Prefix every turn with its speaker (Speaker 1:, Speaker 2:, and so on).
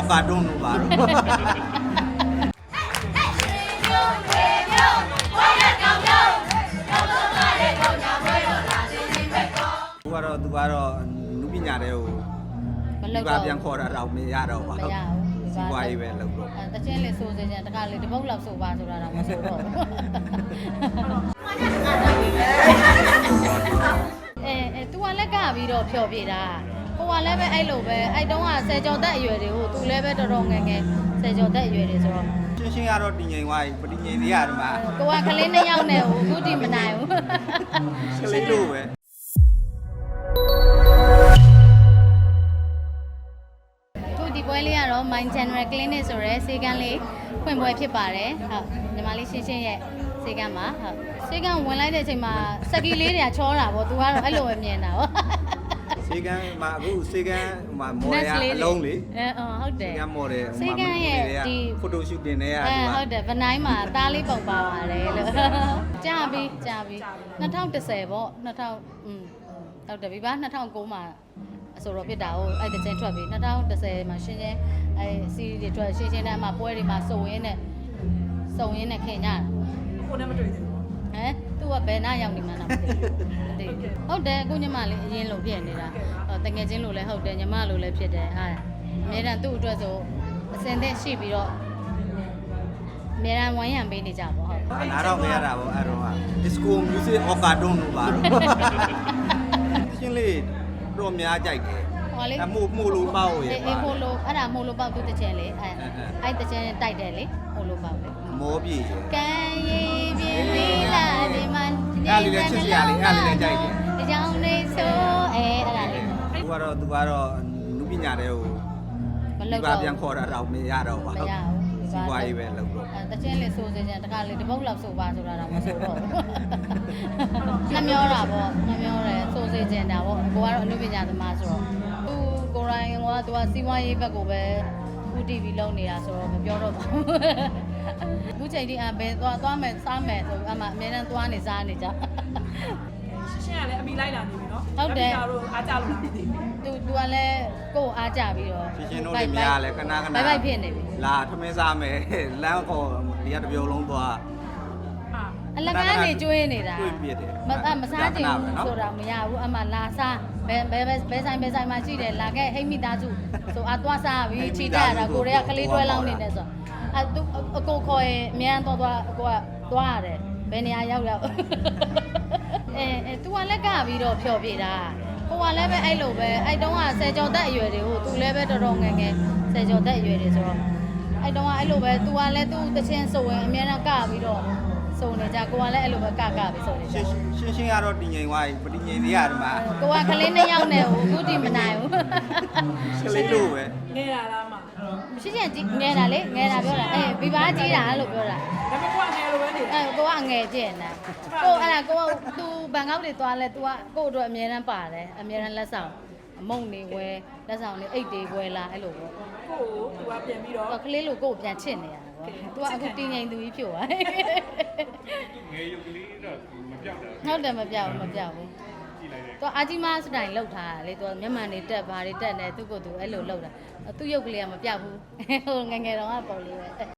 Speaker 1: ကာတွန်းလို့ပါတော့သူကတော့လူပညာတွေကိုဒီပါပြန်ခေါ်တာတော့မရတော့ပါဘူးစီးပွားရေးပဲလုပ်တော့
Speaker 2: တချင်းလေးစိုးစင်းတခါလေးတပုတ်လောက်စိုးပါဆိုတာတော့မစိုးတော့သူကလက်ကပြီးတော့ဖြော်ပြတာကိုကလည်းပဲအဲ့လိုပဲအဲ့တုန်းကဆယ်ကျော်သက်အရွယ်တွေကိုသူလည်းပဲတော်တော်ငယ်ငယ်ဆယ်ကျော်သက်အရွယ်တွေဆိုတော့
Speaker 1: ရှင်းကတော့တည်ငြိမ်သွားပြီပဋိငြိမ်သေးရတယ်မှာ
Speaker 2: ကိုကကလေး2ယောက်နဲ့အခုတည်မနိုင်ဘူး
Speaker 1: ကလေးလို့ပဲ
Speaker 2: ဒီပွဲလေးကတော့ Mind General Clinic ဆိုရဲဆေးကန်းလေးဖွင့်ပွဲဖြစ်ပါတယ်ဟုတ်ညီမလေးရှင်းရဲ့ဆေးကန်းမှာဟုတ်ဆေးကန်းဝင်လိုက်တဲ့အချိန်မှာစက်ကီလေးတွေကချောတာပေါ့သူကတော့အဲ့လိုပဲမြင်တာပေါ့
Speaker 1: ဆေးကန်းမှာအခုဆေးကန်းမှာမော်ဒယ်အလုံးလေ
Speaker 2: ဟုတ်တယ်
Speaker 1: ဆေးကန်းမော်ဒယ်
Speaker 2: ဆေးကန်းရဲ့ဒီ
Speaker 1: ဖိုတိုရှူတင်နေရတာ
Speaker 2: ဟုတ်တယ်ဗနိုင်းမှာသားလေးပုံပါပါတယ်လို့ကြာပြီ2010ပေါ့2000ဟုတ်တယ်ပြီပါ2009မှာအဆိုတော့ဖြစ်တာဟုတ်အဲ့တချင်းထွက်ပြီ2010မှာရှင်းချင်းအဲ့စီးရီးတွေထွက်ရှင်းချင်းနဲ့အမှပွဲတွေမှာစုံရင်းနဲ့ခင်ကြတာ
Speaker 3: ကိုနဲ့မတွေ့သေးဘူး
Speaker 2: သူကဘယ်နာရောက်နေမှန်းတော့မသိဟုတ်တယ်အခုညီမလေးအရင်လိုဖြစ်နေတာတငယ်ချင်းလိုလည်းဟုတ်တယ်ညီမလိုလည်းဖြစ်တယ်ဟာအများတန်းသူ့အတွက်ဆိုအစင်သက်ရှိပြီးတော့အများတန်းဝိုင်းရံပေးနေကြပါဟုတ်
Speaker 1: နားတော့မရတာပေါ့အဲ့တော့က disco music အော်ကာတွန်းလို့ပါတော့ရှင်းလေးတော့များကြိုက်တယ်
Speaker 2: ဟောလေ
Speaker 1: မို့လို့ပေါ့ရဲ့
Speaker 2: အေးမို့လို့အဲ့ဒါမို့လို့ပေါ့သူတချင်လေအဲ့တချင်တိုက်တယ်လေမို့လို့ပေါ့လေ
Speaker 1: မောပြေ
Speaker 2: ကံရည်ပြင်းလေးလာဒီမှာ
Speaker 1: အဲ့လေးလည်းချစ်စရာလေးအဲ့လေးလည်းကြိုက်တယ်
Speaker 2: အကြောင်းလေးဆိုအဲ့ဒါလေး
Speaker 1: သူကတော့လူပညာတွေကိုဒီပါပြန်ခေါ်တာတော့မရတော့ပါဘူးစီးပွားရေးပဲလုပ်တော့
Speaker 2: တချင်းလေးစိုးစင်းတခါလေးတပုတ်လောက်စိုးပါဆိုတာတော့မစိုးတော့နှမျောတာပေါ့နှမျောတယ်စိုးစင်းတာပေါ့ကိုကတော့အနုပညာသမားဆိုတော့သူကိုရိုင်းကသူကစီးပွားရေးဘက်ကိုပဲဦး TV လုံးနေတာဆိုတော့မပြောတော့ပါဘူးအခုချိန်ထိဘယ်သွားမယ်စားမယ်ဆိုအမှအများနဲ့သွားနေစားနေကြ
Speaker 3: ရှင်းကလည်းအမိလိုက်လာနေပြီနော်
Speaker 2: ဟုတ်တယ်
Speaker 3: တို့အားကြလို့လားမသိ
Speaker 2: ဘူးသူကလည်းကိုယ်အားကြပြီးတော့
Speaker 1: ရှင်းတို့တွေများလဲခဏ
Speaker 2: ဘိုက်ဘိုက်ဖြစ်နေပြီ
Speaker 1: လာထမင်းစားမယ်လမ်းခေါ်ဒီကတပြုံလုံးသွား
Speaker 2: အလကားနေကျွေးနေတာ
Speaker 1: ကျွေးပြတယ်
Speaker 2: မစားချင်ဘူးဆိုတာမရဘူးအမှလာစားဘယ်ဆိုင်မှာရှိတယ်လာခဲ့ဟိတ်မိသားစုဆိုအသွားစားပြီးချီတက်ရတာကိုတွေကကလေးတွဲလောင်းနေတယ်ဆိုသူအကိုခေါ်ရင်အမြန်တော့ကိုကသွားရတယ်ဘယ်နေရာရောက်သူကလက်ကပြီးတော့ဖြော်ပြတာကိုကလည်းပဲအဲ့လိုပဲအဲ့တုန်းကဆယ်ကျော်သက်အရွယ်တွေကိုသူလည်းပဲတော်တော်ငယ်ငယ်ဆယ်ကျော်သက်အရွယ်တွေဆိုတော့အဲ့တုန်းကအဲ့လိုပဲသူကလည်းသူ့တချင်းဆိုရင်အမြန်တော့ကပြီးတော့စုံနေကြကိုကလည်းအဲ့လိုပဲကပြီးစုံနေကြ
Speaker 1: ရှင်းကတော့တည်ငြိမ်သွားပြီပဋိငြိမ်သေးရတယ်မှာ
Speaker 2: ကိုကကလေး2ယောက်နဲ့အခုတည်မနိုင်ဘူး
Speaker 1: ကလေးလို့ပဲ
Speaker 3: ငဲတာလားမ
Speaker 2: မရှိချင်ငဲတာလေငဲတာပြောတာဘီဘာကြီးတာလို့ပြောတာ
Speaker 3: ဒါပေမဲ့ကိုကငဲလိုပဲနေ
Speaker 2: ကိုကငဲကျင်တာကိုအဲ့ဒါကိုသူဘန်ကောက်တွေသွားလဲ तू ကကို့အတွက်အများရန်ပါတယ်အများရန်လက်ဆောင်အမုံနေဝဲလက်ဆောင်နေအိတ်တွေဝဲလာအဲ့လိုပေါ့
Speaker 3: ကိုသူကပြန်ပြီးတော့
Speaker 2: ကလေးလိုကိုပြန်ချစ်နေရတာပေါ့ तू ကအခုတင်းငိမ်သူကြီးဖြစ်သွား
Speaker 4: ငယ်ရုပ်ကလေးတော့မပြောက်တာ
Speaker 2: ဟုတ်တယ်မပြောက်ဘူးကြည့်လိုက်တယ်သူအာကြီးမစတိုင်လောက်ထားတာလေသူမျက်မှန်တွေတက်ဘာတွေတက်နေသူ့ကိုယ်သူအဲ့လိုလောက်တာသူ့ရုပ်ကလေးကမပြောက်ဘူးဟိုငငယ်တော့ကပုံလေးပဲ